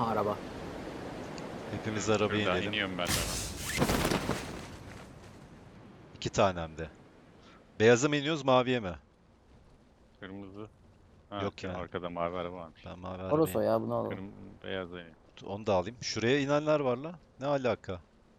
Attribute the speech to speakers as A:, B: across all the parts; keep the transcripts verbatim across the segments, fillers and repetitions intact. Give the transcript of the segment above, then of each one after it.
A: Aha araba.
B: Hepimiz arabaya
C: Şuradan
B: inelim.
C: iniyorum ben de.
B: İki tane hem de. Beyaza mı iniyoruz, maviye mi?
C: Kırmızı. Ha,
B: Yok
C: sen
B: ya.
C: arkada mavi araba varmış.
B: Ben mavi
A: Toros o
B: arabayı.
A: ya, bunu alalım.
C: Kırmızı beyaz iniyor.
B: Onu da alayım. Şuraya inenler var la. Ne alaka?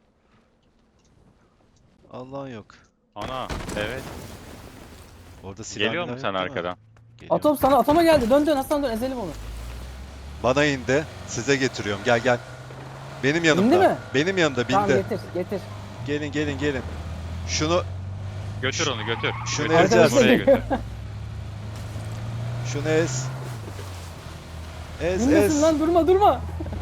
B: Allah'ın yok.
C: Ana evet.
B: Orada silah
C: Geliyor
B: milah
C: mu
B: yok
C: sen
B: değil mi?
C: arkadan?
B: Geliyor.
A: Atom sana, atoma geldi. Dön dön Hasan, dön ezelim onu.
B: Bana indi. Size getiriyorum. Gel gel. Benim
A: İndi
B: yanımda.
A: mi?
B: Benim yanımda
A: Tamam,
B: bindi.
A: getir getir.
B: Gelin gelin gelin. Şunu
C: Götür onu götür.
B: Şunu
C: Götür,
B: ezeceğiz.
C: oraya götür.
B: şunu ez. Ez
A: İnmesin
B: ez.
A: lan, durma durma.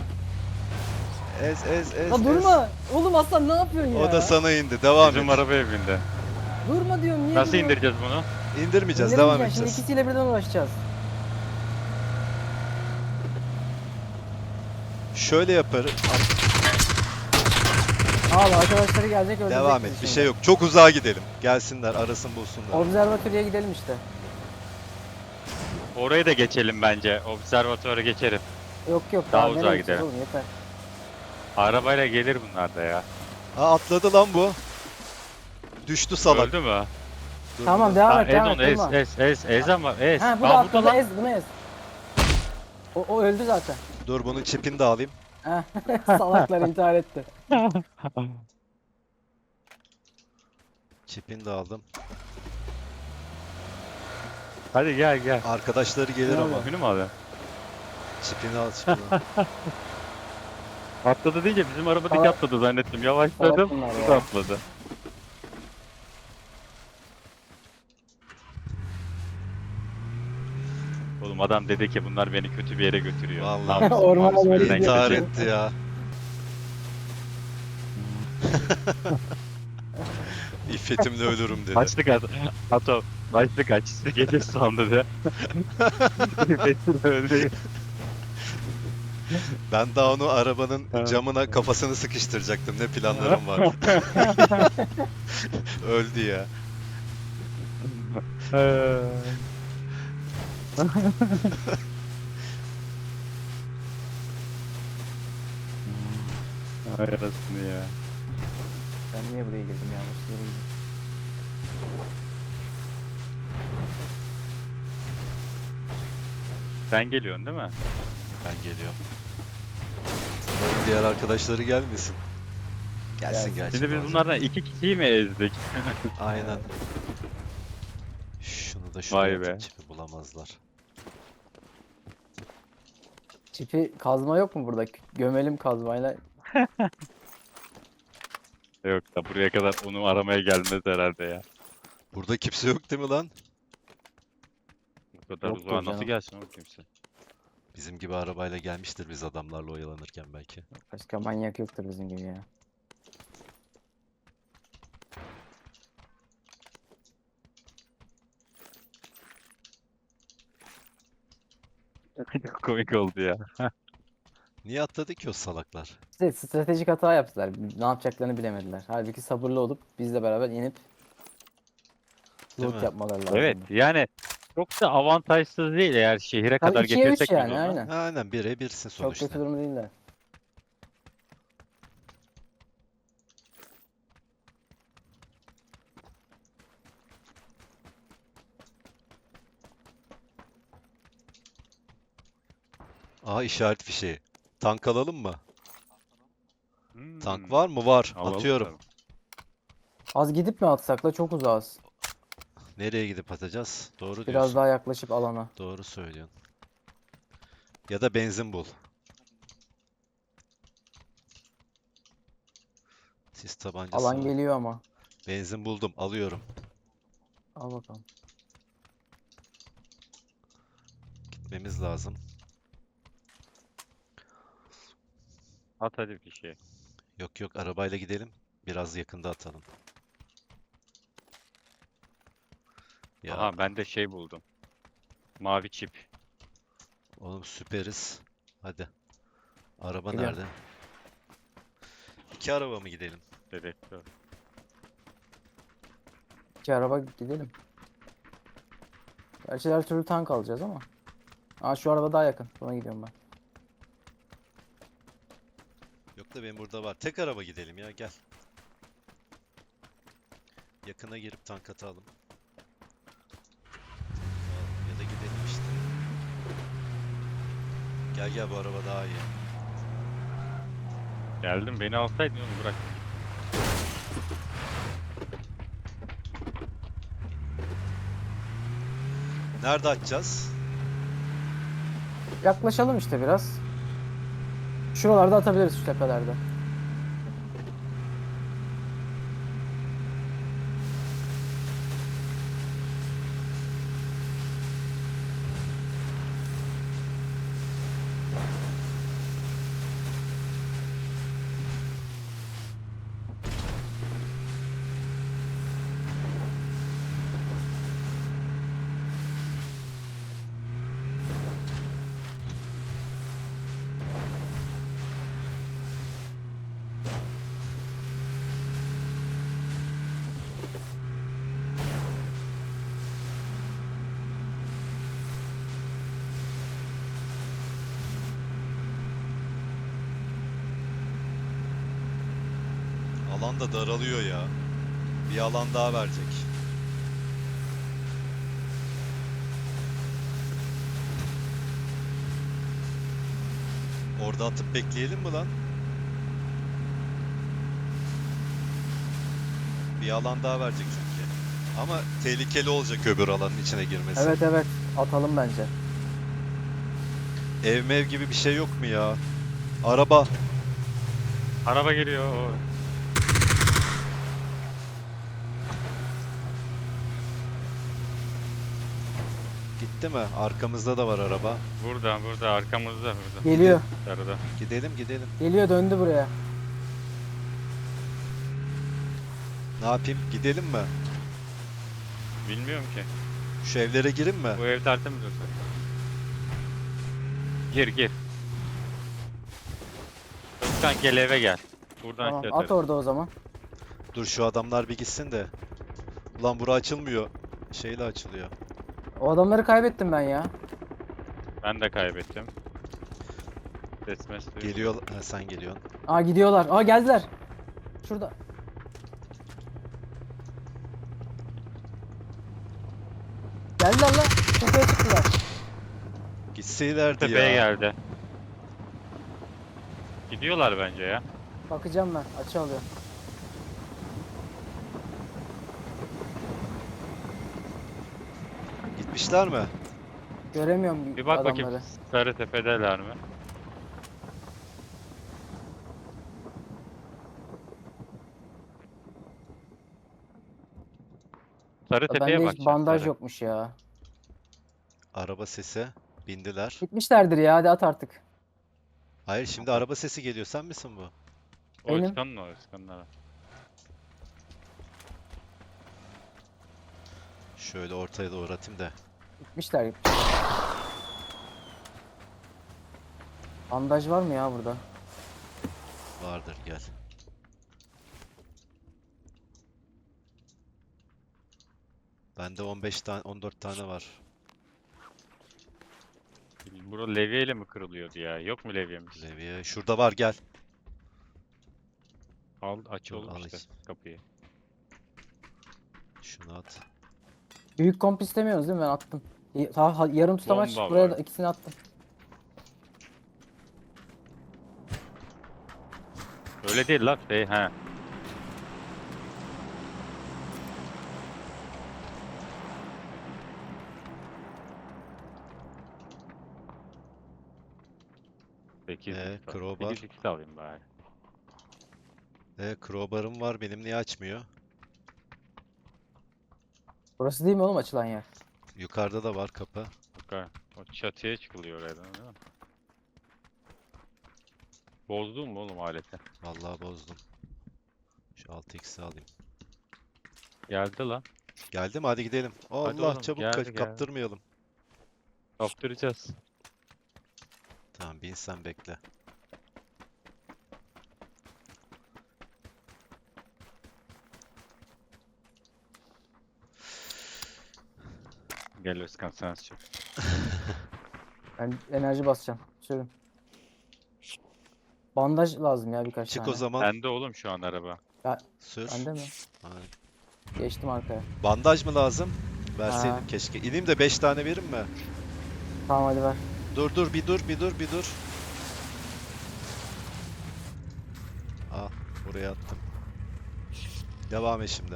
B: Ez ez ez.
A: La
B: ez.
A: durma. Oğlum Aslan ne yapıyorsun ya?
B: O da sana indi. Devam
C: Bizim
B: et.
C: arabaya bindi.
A: Durma diyorum, niye
C: Nasıl
A: duruyorsun?
C: indireceğiz bunu?
B: İndirmeyeceğiz.
A: İndirmeyeceksin,
B: Devam
A: şimdi
B: edeceğiz.
A: ikisiyle birden uğraşacağız.
B: Şöyle yaparız.
A: Al, arkadaşları gelecek, öldürecek
B: Devam et.
A: bizi
B: Bir
A: şimdi.
B: şey yok. Çok uzağa gidelim. Gelsinler, arasın bulsunlar.
A: Observatörüye gidelim işte.
C: Orayı da geçelim bence. Observatuvara geçerim.
A: Yok yok,
C: Daha
A: daha
C: uzağa
A: nereye gideceğiz
C: gidelim.
A: oğlum, yeter.
C: Arabayla gelir bunlar da ya.
B: Ha, atladı lan bu. Düştü salak.
C: Öldü mü?
B: Dur,
A: Tamam,
B: dur.
A: devam
C: Ha,
A: et
C: ez
A: devam
C: onu
A: et,
C: ez
A: durma.
C: ez ez ez ama ez.
A: Ha, bu
C: Aa,
A: da
C: burada
A: atladı,
C: lan.
A: ez bunu ez. O, o öldü zaten.
B: Dur, bunun çipini de alayım.
A: Ha, salaklar intihar etti.
B: Çipini de aldım.
C: Hadi gel gel.
B: Arkadaşları gelir
A: Ne
B: ama.
A: oluyor?
C: Günü mü abi?
B: Çipini al, çipini al.
C: Atladı deyince bizim arabadaki
A: Salak-
C: atladı zannettim.
A: Salak
C: Yavaşladım.
A: bunlar
C: Bu da
A: ya.
C: atladı. Oğlum adam dedi ki bunlar beni kötü bir yere götürüyor.
B: Vallahi.
C: Ne yapsın?
A: Ormana
C: Mavisi
A: doğru
C: birden
B: İntihar
C: gidecek.
B: etti ya. İffetimle ölürüm dedi.
C: Kaçtı kaç. Ato. Kaçtı kaç. Gece sandı de. Betül öldü.
B: Ben daha onu arabanın
C: Ha.
B: camına kafasını sıkıştıracaktım. Ne planlarım var. Öldü ya.
C: Ay arasını ya.
A: Ben niye buraya girdim, yanlış yere girdim.
C: Sen geliyorsun değil mi?
B: Ben geliyorum. Umarım diğer arkadaşları gelmesin. Gelsin
A: Gelsin.
B: gelsin.
C: Şimdi biz
B: bazen.
C: bunlardan iki kişiyi mi ezdik?
B: Aynen. Şunu da
C: Vay
B: şuraya
C: be.
B: atayım, çipi bulamazlar.
A: Çipi kazma yok mu burada? Gömelim kazmayla.
C: Yok da buraya kadar onu aramaya gelmez herhalde ya.
B: Burada kimse yok değil mi lan?
C: Bu kadar
A: Yoktur
C: uzağa nasıl
A: canım.
C: gelsin o kimse?
B: Bizim gibi arabayla gelmiştir biz adamlarla oyalanırken belki.
A: Başka manyak yoktur bizim gibi ya.
C: Çok komik oldu ya.
B: Niye atladı ki o salaklar?
A: İşte stratejik hata yaptılar. Ne yapacaklarını bilemediler. Halbuki sabırlı olup bizle beraber inip
B: Değil
A: loot
B: mi?
A: yapmaları lazım.
C: Evet yani çok da avantajsız değil eğer şehire
A: Tabii
C: kadar
A: ikiye üç
C: getirsek biz
A: yani,
C: onu.
A: aynen.
B: Aynen, bire birsin
A: Çok
B: sonuçta.
A: kötü durum değiller.
B: Aha, işaret fişeği. Tank alalım mı?
C: Hmm,
B: Tank var mı? Var.
C: alalım
B: Atıyorum.
C: tabii.
A: Az gidip mi atsak da, çok uzağız.
B: Nereye gidip atacağız? Doğru
A: Biraz
B: diyorsun.
A: daha yaklaşıp alana.
B: Doğru söylüyorsun. Ya da benzin bul. Sis tabancası
A: Alan
B: var.
A: geliyor ama.
B: Benzin buldum. Alıyorum.
A: Al bakalım.
B: Gitmemiz lazım.
C: At hadi bir şey.
B: Yok yok, arabayla gidelim. Biraz yakında atalım. Ya
C: Aha ben de şey buldum. Mavi çip.
B: oğlum, süperiz. Hadi. Araba
A: Gidelim.
B: nerede? İki araba mı gidelim?
C: Dedektör.
A: İki araba gidelim. Gerçi her türlü tank alacağız ama. Aa, şu araba daha yakın. Buna gidiyorum ben.
B: yok da benim burada var. Tek araba gidelim ya gel. Yakına girip tank atalım. Ya da gidelim işte. Gel gel bu araba daha iyi.
C: Geldim, beni alsaydın onu bırak.
B: Nerede atacağız?
A: Yaklaşalım işte biraz. Şuralarda atabiliriz şu tepelerde.
B: Alan da daralıyor ya. Bir alan daha verecek. Orada atıp bekleyelim mi lan? Bir alan daha verecek çünkü. Ama tehlikeli olacak öbür alanın içine girmesi.
A: Evet evet atalım bence.
B: Ev mev gibi bir şey yok mu ya? Araba.
C: Araba geliyor. o.
B: Gitti mi? Arkamızda da var araba.
C: Burada, burada, arkamızda, burada.
A: Geliyor.
C: Arada.
B: Gidelim gidelim.
A: Geliyor döndü buraya.
B: Ne yapayım? Gidelim mi?
C: Bilmiyorum ki.
B: Şu evlere girin mi?
C: Bu ev tertemiz olsa. Gir, gir. Özkan gel eve gel. Buradan
A: Tamam
C: şey
A: at
C: atarız.
A: orada o zaman.
B: Dur şu adamlar bir gitsin de. Ulan bura açılmıyor. Şeyle açılıyor.
A: O adamları kaybettim ben ya.
C: Ben de kaybettim. Ses mes duyuyorum.
B: Geliyor. Ha, sen geliyorsun.
A: Aa gidiyorlar. Aa geldiler. Şurada. Geldiler lan. Tepeye çıktılar.
B: Gitseylerdi
C: Tepeye
B: ya.
C: geldi. Gidiyorlar bence ya.
A: Bakacağım ben. Açı alıyorum.
B: Gitmişler mi?
A: Göremiyorum
C: Bir bak
A: adamları.
C: bakayım Sarı Tepe'deler mi? Sarı Tepe'ye
A: Bende hiç
C: bakacağım.
A: bandaj
C: Sarı.
A: yokmuş ya.
B: Araba sesi. Bindiler.
A: Gitmişlerdir ya hadi at artık.
B: Hayır şimdi araba sesi geliyor. Sen misin bu?
C: O
A: Benim.
C: Özkan'ın o Özkan'ın.
B: Şöyle ortaya doğru atayım da.
A: Gitmişler gitmişler. Bandaj var mı ya burada?
B: Vardır gel. Bende on beş tane on dört tane var.
C: Bura levyeyle mi kırılıyordu ya? Yok mu levyemiz?
B: Levye. Şurada var gel.
C: Al aç
B: Dur,
C: oğlum
B: al
C: işte
B: işte.
C: kapıyı.
B: Şunu at.
A: Büyük komp istemiyoruz değil mi? Ben attım. Y- ta- ha- yarım tutamaç
C: Bomba
A: buraya
C: var.
A: da ikisini attım.
C: Öyle değil lan şey he. sekiz
B: Ee,
C: x
B: crowbar.
C: sekiz x alayım bari.
B: E, crowbar'ım var. Benim niye açmıyor?
A: Burası değil mi oğlum açılan yer?
B: Yukarıda da var kapı.
C: Bakar. O çatıya çıkılıyor oradan değil mi? Bozdun mu oğlum aleti?
B: Vallahi bozdum. Şu altı x'i alayım.
C: Geldi lan.
B: Geldi mi? Hadi gidelim. Allah
C: oğlum,
B: çabuk
C: geldi,
B: ka-
C: geldi.
B: kaptırmayalım.
C: Kaptıracağız.
B: Tamam bin sen bekle.
C: Gel Özkan sen çık.
A: Ben enerji basacağım. Sürün. Bandaj lazım ya birkaç
B: Çık
A: tane.
B: o zaman.
C: Bende oğlum şu an araba.
B: Sür.
A: Bende mi?
B: Aynen.
A: Geçtim arkaya.
B: Bandaj mı lazım? Verseydin
A: Ha.
B: keşke. İneyim de beş tane verin mi?
A: Tamam hadi ver.
B: Dur dur bir dur bir dur bir dur. Al buraya attım. Devam et şimdi.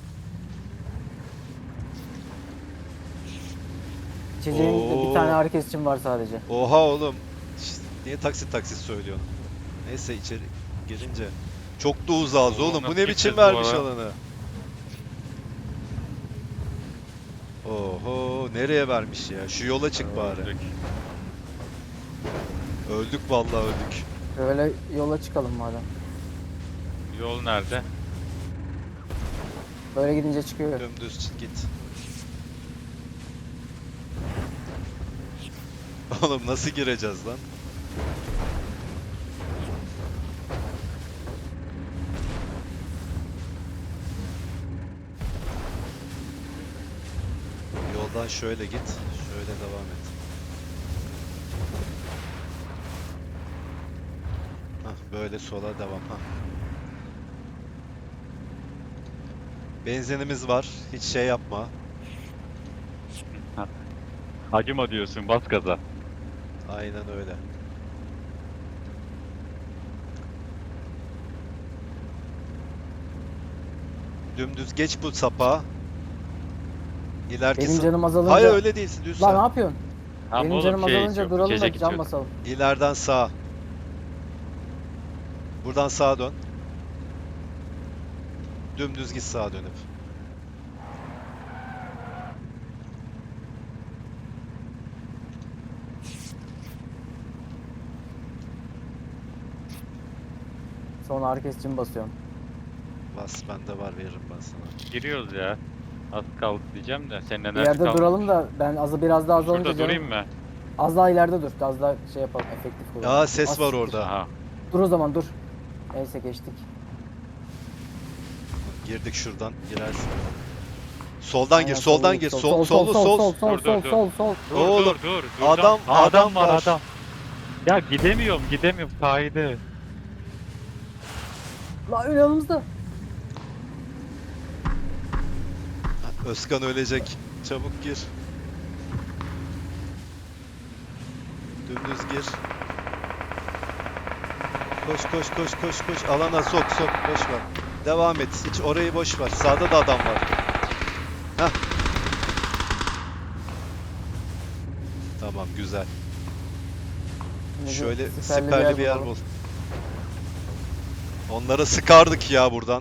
A: İçeceğin
B: Oo.
A: bir tane herkes için var sadece.
B: Oha oğlum. Şşt, niye taksit taksit söylüyorsun? Neyse içeri girince. Çok da uzağız
C: Oğlum,
B: oğlum. Bu
C: nasıl
B: ne biçim
C: gideceğiz bu
B: vermiş
C: ara?
B: alanı? Oho nereye vermiş ya? Şu yola çık bari.
C: Öldük.
B: Öldük vallahi öldük.
A: Böyle yola çıkalım madem.
C: Yol nerede?
A: Böyle gidince çıkıyor.
B: Dümdüz çık git. Oğlum nasıl gireceğiz lan? Yoldan şöyle git. Şöyle devam et. Hah böyle sola devam. Hah. Benzinimiz var. Hiç şey yapma.
C: Acıma diyorsun, bas gaza.
B: Aynen öyle. Dümdüz geç bu sapa. İleriki
A: Benim
B: sa-
A: canım azalınca...
B: Hayır öyle değilsin düz
A: Lan ne
B: sen.
A: yapıyorsun?
C: Tamam
A: Benim
C: oğlum,
A: canım
C: şey
A: azalınca
C: içiyorum,
A: duralım da
C: içecek
A: can
C: içiyorum.
A: basalım.
B: İleriden sağa. Buradan sağa dön. Dümdüz git sağa dönüp.
A: Sonra herkes için basıyorum.
B: Bas bende var veririm ben sana.
C: Giriyoruz ya. Az kaldı diyeceğim de senin
A: Bir
C: enerji
A: yerde
C: kalmamış.
A: duralım da ben azı biraz daha azalınca
C: Şurada durayım
A: canım...
C: mı?
A: Az daha ileride dur. Az daha şey yapalım. Efektif kullanalım.
B: Aa ses
A: Az
B: var
A: siktir.
B: orada.
C: Aha.
A: Dur o zaman dur. Neyse geçtik.
B: Girdik şuradan girersin. Soldan
A: Aynen,
B: gir, soldan
A: git.
B: gir.
A: Sol,
B: Sol,
A: sol,
B: sollu
A: sol,
B: sol.
A: sol, sol,
C: Dur,
A: sol,
C: dur,
A: sol, sol.
C: Dur
B: Oğlum,
C: dur dur. dur.
B: adam-
C: Aa,
B: adam
C: var
B: var.
C: adam. Ya gidemiyorum gidemiyorum kaydı.
A: La ön yanımızda.
B: Özkan ölecek. Çabuk gir. Dümdüz gir. Koş koş koş koş koş. Alana sok sok. Boş ver. Devam et. Hiç orayı boş ver. Sağda da adam var. Heh. Tamam güzel.
A: Şimdi
B: Şöyle
A: siperli
B: siperli bir yer
A: bulalım.
B: bul. Onlara sıkardık ya buradan.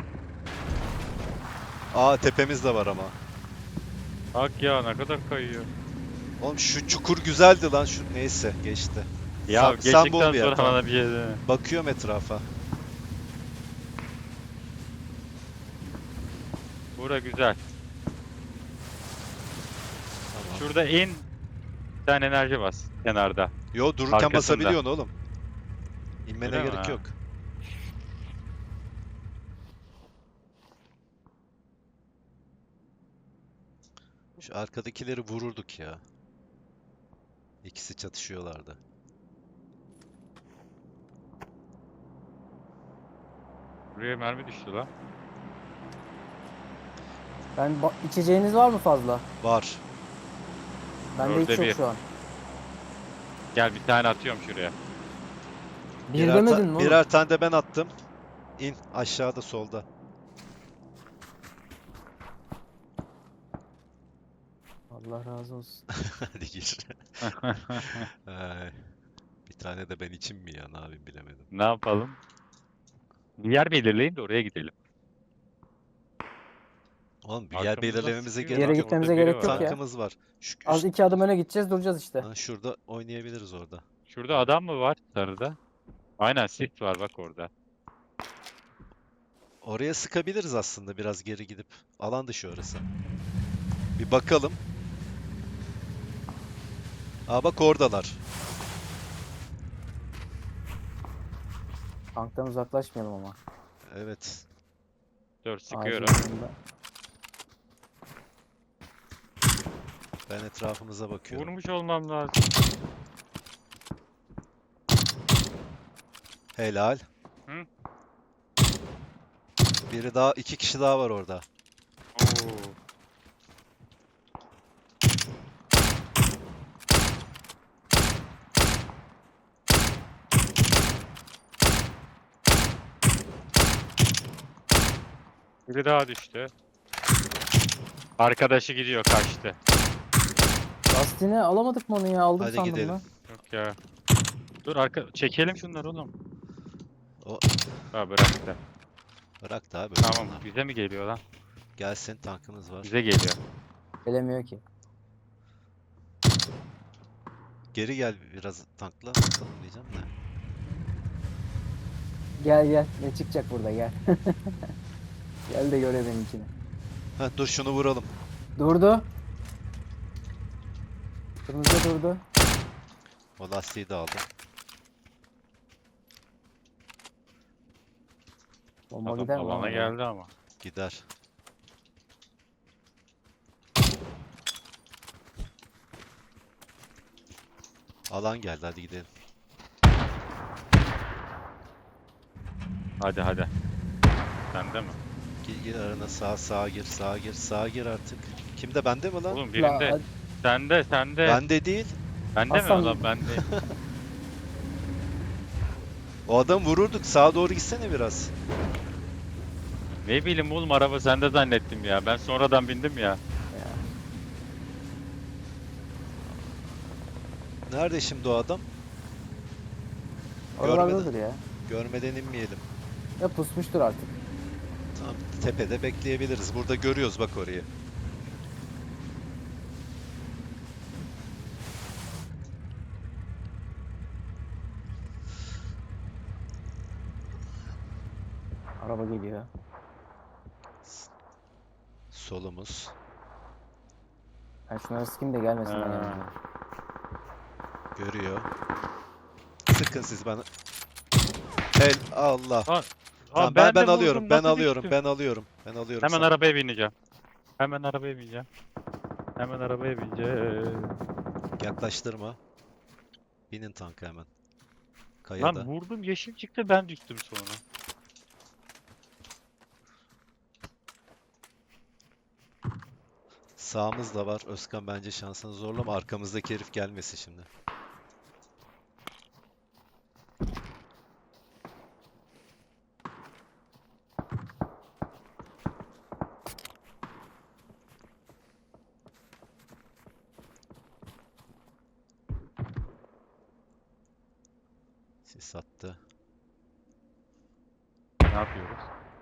B: Aa tepemiz de var ama.
C: Bak ya ne kadar kayıyor.
B: Oğlum şu çukur güzeldi lan şu neyse geçti.
C: Ya
B: sen, sen bul
C: geçtikten
B: bir yer.
C: sonra
B: Tamam.
C: bana bir şey deme.
B: Bakıyorum etrafa.
C: Bura güzel.
B: Tamam.
C: Şurada in. Bir tane enerji bas kenarda.
B: Yo dururken
C: Arkasında.
B: basabiliyorsun oğlum. İnmene
C: Öyle mi?
B: gerek
C: Ha.
B: yok. Şu arkadakileri vururduk ya. İkisi çatışıyorlardı.
C: Buraya mermi düştü lan.
A: Ben ba- içeceğiniz var mı fazla?
B: Var.
A: Bende hiç
C: Dörde
A: yok
C: bir.
A: şu an.
C: Gel bir tane atıyorum şuraya.
A: Bir
B: Birer, ta-
A: demedin mi oğlum?
B: birer tane de ben attım. İn aşağıda solda.
A: Allah razı olsun.
B: Hadi gir. Ay, bir tane de ben için mi ya? Ne yapayım bilemedim.
C: Ne yapalım? Bir yer belirleyin de oraya gidelim.
B: Oğlum bir yer
C: Arkamızdan
B: belirlememize
C: sıkıyor.
B: gerek
A: Bir yere
B: yok.
A: gitmemize
C: Orada biri
A: gerek yok
C: var.
A: ya.
B: Tankımız var. Şu,
A: Az iki adım öne gideceğiz duracağız işte.
B: Ha, şurada oynayabiliriz orada.
C: Şurada adam mı var sarıda? Aynen sit var bak orada.
B: Oraya sıkabiliriz aslında biraz geri gidip. Alan dışı orası. Bir bakalım. Aa bak oradalar.
A: Tanktan uzaklaşmayalım ama.
B: Evet.
C: Dur
A: Ağacın
C: sıkıyorum.
A: yanında.
B: Ben etrafımıza bakıyorum.
C: Vurmuş olmam lazım.
B: Helal.
C: Hı?
B: Biri daha, iki kişi daha var orada.
C: Oo. Biri daha düştü. Arkadaşı gidiyor, kaçtı.
A: Lastiğini alamadık mı onu ya? Aldım
B: Hadi
A: sandım
B: gidelim.
A: lan.
C: Yok ya. Dur arka çekelim şunları oğlum.
B: O
C: Ha bıraktı.
B: bırak da abi.
C: Tamam bize mi geliyor lan?
B: Gelsin, tankımız var.
C: Bize geliyor.
A: Gelemiyor ki.
B: Geri gel biraz tankla bakalım diyeceğim de.
A: Gel gel. Ne çıkacak burada gel. Gel de göre benimkini.
B: Ha, dur şunu vuralım.
A: Durdu. Kırmızı durdu.
B: O lastiği de aldım.
A: Bomba
C: Adam
A: gider mi?
C: alana
A: lan?
C: geldi ama.
B: Gider. Alan geldi, hadi gidelim.
C: Hadi hadi. Sende mi?
B: Gir, gir arana, sağa sağa gir, sağa gir, sağa gir artık. Kimde, bende mi lan?
C: Oğlum
A: La,
C: birinde.
A: hadi.
C: Sende sende.
B: Bende değil.
C: Bende mi
A: Aslan-
C: ulan bende?
B: O adam vururduk. Sağa doğru gitsene biraz.
C: Ne bileyim oğlum araba sende zannettim ya. Ben sonradan bindim ya.
B: Nerede şimdi o adam?
A: Oralardadır ya.
B: Görmeden inmeyelim.
A: Ya pusmuştur artık.
B: Tamam, tepede bekleyebiliriz. Burada görüyoruz bak orayı.
A: Araba geliyor.
B: Solumuz.
A: Ben şunları sıkayım da gelmesinler
C: Ha.
A: yanımıza.
B: Görüyor. Sıkın siz bana. El Allah.
C: Aa,
B: Tamam,
C: aa,
B: ben ben
C: de
B: alıyorum.
C: vurdum,
B: Ben
C: nasıl
B: alıyorum.
C: düştüm?
B: Ben alıyorum. Ben alıyorum.
C: Hemen
B: sana.
C: arabaya bineceğim. Hemen arabaya bineceğim. Hemen arabaya bineceğim.
B: Yaklaştırma. Binin tanka hemen. Kayada.
C: Lan vurdum yeşil çıktı ben düştüm sonra.
B: Sağımız da var. Özkan bence şansını zorlama. Arkamızdaki herif gelmesin şimdi. Sis attı.
C: Ne yapıyoruz?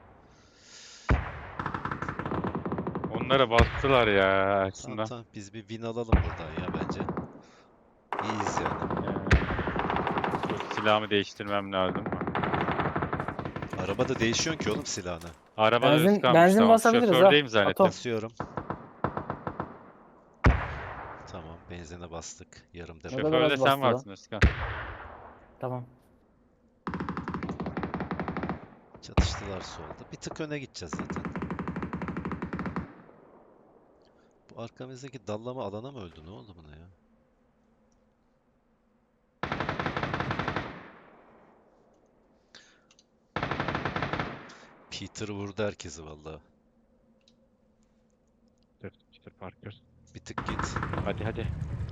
C: Onlara bastılar ya
B: Tamam,
C: aslında.
B: tamam. Biz bir win alalım buradan ya bence. İyiyiz yani.
C: Ee, dur, silahımı değiştirmem lazım.
B: Arabada değişiyorsun ki oğlum silahını.
C: Araba
A: Benzin-
C: üst kalmış,
A: benzin
C: tamam.
A: basabiliriz ha.
C: Şofördeyim zannettim.
A: Atom.
B: Basıyorum. Tamam, benzine bastık. Yarım depo.
A: Şoför-
C: Şoförde
A: biraz
C: sen
A: bastı
C: varsın Özkan.
A: Tamam.
B: Çatıştılar solda. Bir tık öne gideceğiz zaten. Bu arkamızdaki dallama alana mı öldü? Ne oldu buna ya? Peter vurdu herkesi vallahi.
C: Dur, Peter Parker.
B: Bir tık git.
C: Hadi hadi.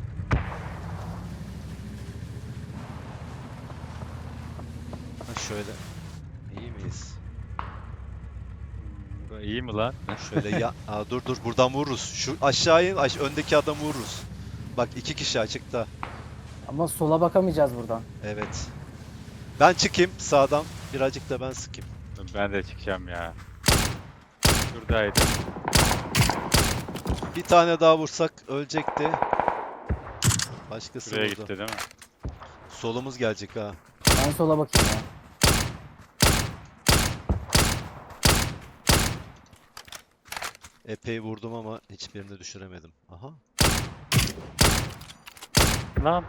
B: Ha şöyle. İyi miyiz?
C: Hmm, bu iyi mi lan?
B: Şöyle ya. Aa, dur dur buradan vururuz. Şu aşağıya aş öndeki adamı vururuz. Bak iki kişi açıkta.
A: Ama sola bakamayacağız buradan.
B: Evet. Ben çıkayım sağdan. Birazcık da ben sıkayım.
C: Ben de çıkacağım ya. Şuradaydı.
B: Bir tane daha vursak ölecekti. Başkası
C: Şuraya
B: vurdu.
C: gitti değil mi?
B: Solumuz gelecek ha.
A: Ben sola bakayım ya.
B: Epey vurdum ama hiçbirini düşüremedim. Aha.
C: Lan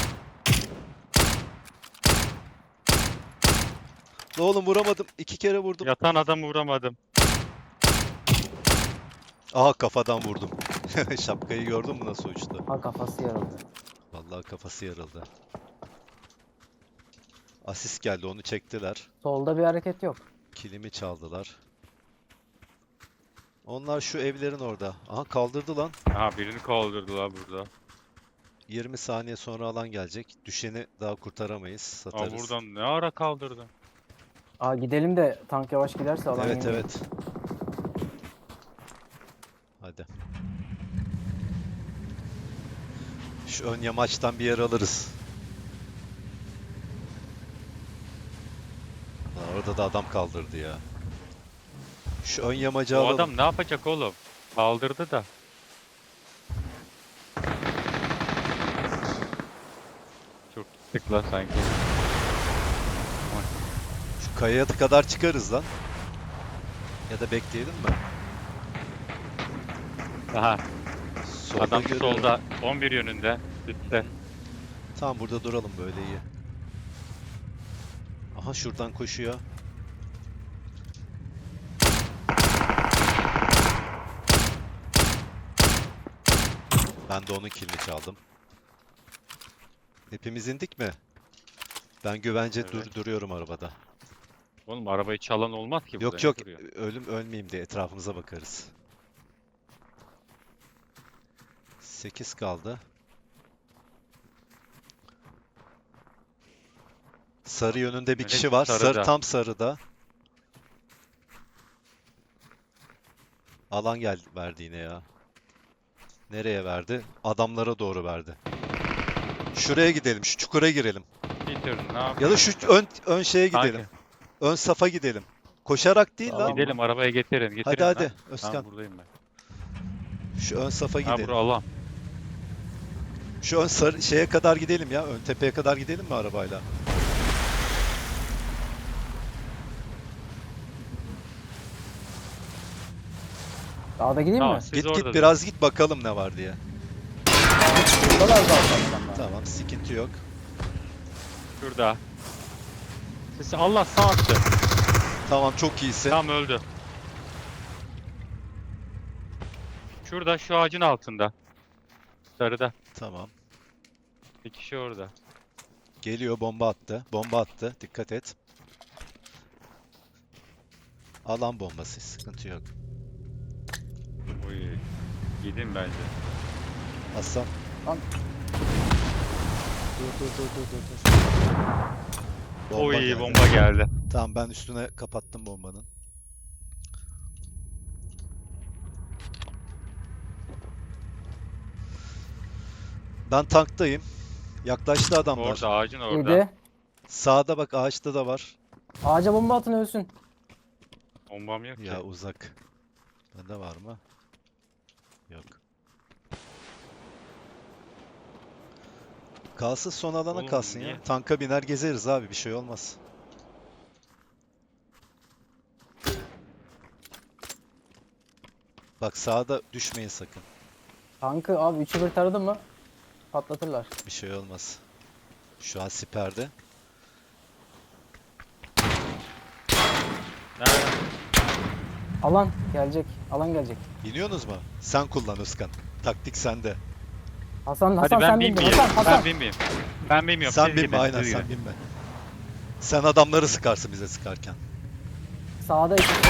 B: La oğlum vuramadım. İki kere vurdum.
C: yatan adamı vuramadım.
B: Aha kafadan vurdum. Şapkayı gördün mü nasıl uçtu?
A: Ha kafası yarıldı.
B: Vallahi kafası yarıldı. Asist geldi, onu çektiler.
A: Solda bir hareket yok.
B: Kilimi çaldılar. Onlar şu evlerin orada. Aha kaldırdı lan.
C: Aha birini kaldırdılar burada.
B: yirmi saniye sonra alan gelecek. Düşeni daha kurtaramayız.
C: Aa
B: Satarız.
C: buradan ne ara kaldırdın?
A: Aa gidelim de tank yavaş giderse alan
B: Evet
A: yemeyiz.
B: evet. Hadi. Şu ön yamaçtan bir yer alırız. Lan orada da adam kaldırdı ya. Şu ön yamacı
C: O
B: alalım.
C: adam ne yapacak oğlum? Kaldırdı da. Çok gittik lan sanki.
B: Şu kayaya kadar çıkarız lan. Ya da bekleyelim mi?
C: Aha
B: Solda
C: adam
B: görüyorum.
C: solda on bir yönünde. Üstte.
B: Tamam burada duralım, böyle iyi. Aha şuradan koşuyor. Ben de onun killini çaldım. Hepimiz indik mi? Ben güvence
C: Evet.
B: dur duruyorum arabada.
C: Oğlum arabayı çalan olmaz ki burada.
B: Yok
C: ne
B: yok,
C: duruyor?
B: ölüm ölmeyeyim diye etrafımıza bakarız. sekiz kaldı. Sarı yönünde bir
C: Evet,
B: kişi var. Sarı,
C: sarıda.
B: tam sarıda. Alan gel verdi yine ya. Nereye verdi? Adamlara doğru verdi. Şuraya gidelim, şu çukura girelim.
C: Peter ne yapıyorsun?
B: Ya da şu ön ön şeye
C: Kanki,
B: gidelim. Ön safa gidelim. Koşarak değil
A: Tamam.
B: lan.
C: Gidelim arabaya getirin. getirin
B: Hadi
C: lan.
B: hadi Özkan.
C: Tamam buradayım ben.
B: Şu ön safa
C: Ha
B: gidelim.
C: bura alan.
B: Şu ön sarı şeye kadar gidelim ya. Ön tepeye kadar gidelim mi arabayla?
A: Dağda gideyim
C: Tamam
A: mi?
C: siz
B: Git
C: orada
B: git
C: durun.
B: biraz git bakalım ne var diye.
A: Buradalar zaten adamlar.
B: Tamam, sıkıntı yok.
C: Şurada. Sesi Allah sağ attı.
B: Tamam, çok iyisin.
C: Tam öldü. Şurada şu ağacın altında. Sarıda.
B: Tamam.
C: Bir kişi orada.
B: Geliyor, bomba attı. Bomba attı. Dikkat et. Alan bombası, sıkıntı yok.
C: Uy. Gidin bence.
B: Hasan.
A: Lan.
B: Dur dur dur dur dur. dur. Bomba
C: Oy
B: geldi.
C: bomba geldi.
B: Tamam, ben üstüne kapattım bombanın. Ben tanktayım. Yaklaştı adamlar.
C: Orada ağacın orada.
A: Yedi.
B: Sağda bak, ağaçta da var.
A: Ağaca bomba atın ölsün.
C: Bombam yok ki.
B: Ya uzak. Bende var mı? Yok. Kalsın, son alana
C: Oğlum,
B: kalsın
C: niye?
B: ya. Tanka biner gezeriz abi, bir şey olmaz. Bak sağda düşmeyin sakın.
A: Tankı abi üçü bir taradı mı patlatırlar.
B: Bir şey olmaz. Şu an siperde.
C: Nerede?
A: Alan gelecek. Alan gelecek.
B: İniyorsunuz mu? Sen kullan Özkan. Taktik sende.
A: Hasan
C: Hadi
A: Hasan
C: ben
A: sen bindin.
C: binmeyeyim.
A: Hasan Hasan.
C: Ben binmeyeyim. Ben bilmiyorum.
B: Sen
C: siz
B: binme,
C: gidin,
B: aynen
C: siz
B: sen
C: gidin.
B: binme. Sen adamları sıkarsın bize sıkarken.
A: Sağda ikisi.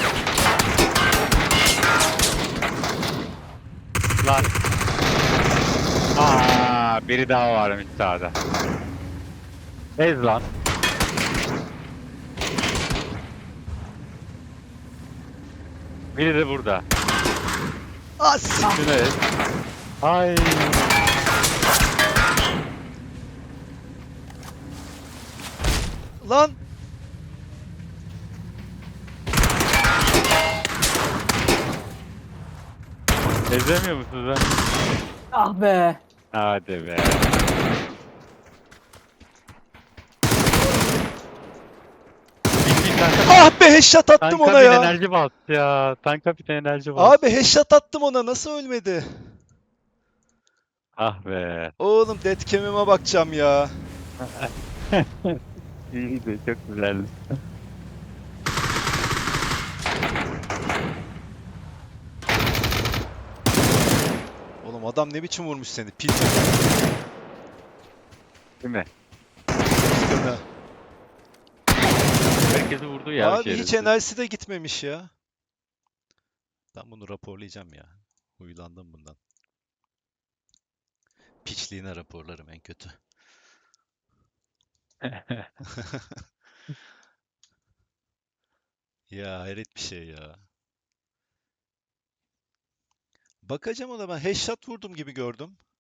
C: Lan. Aa, biri daha varmış sağda. Ez lan. Biri de burada.
B: As!
C: Şunu ez. Ay.
B: Lan!
C: Ezemiyor musunuz lan?
A: Ah be.
C: Hadi be. Bir- bir tanka-
B: Ah be, headshot attım
C: Tanka
B: ona
C: bir
B: ya.
C: enerji bas ya. Tanka bir enerji bas.
B: Abi headshot attım ona, nasıl ölmedi?
C: Ah be.
B: Oğlum deadcam'ime bakacağım ya.
C: İyiydi, çok güzeldi.
B: Oğlum adam ne biçim vurmuş seni? Pil
C: Değil mi?
B: üstüne.
C: herkesi vurdu ya
B: Abi hiç
C: şerefsiz.
B: enerjisi de gitmemiş ya. Ben bunu raporlayacağım ya. Huylandım bundan. Piçliğine raporlarım en kötü. Ya hayret bir şey ya. Bakacağım ona, ben headshot vurdum gibi gördüm.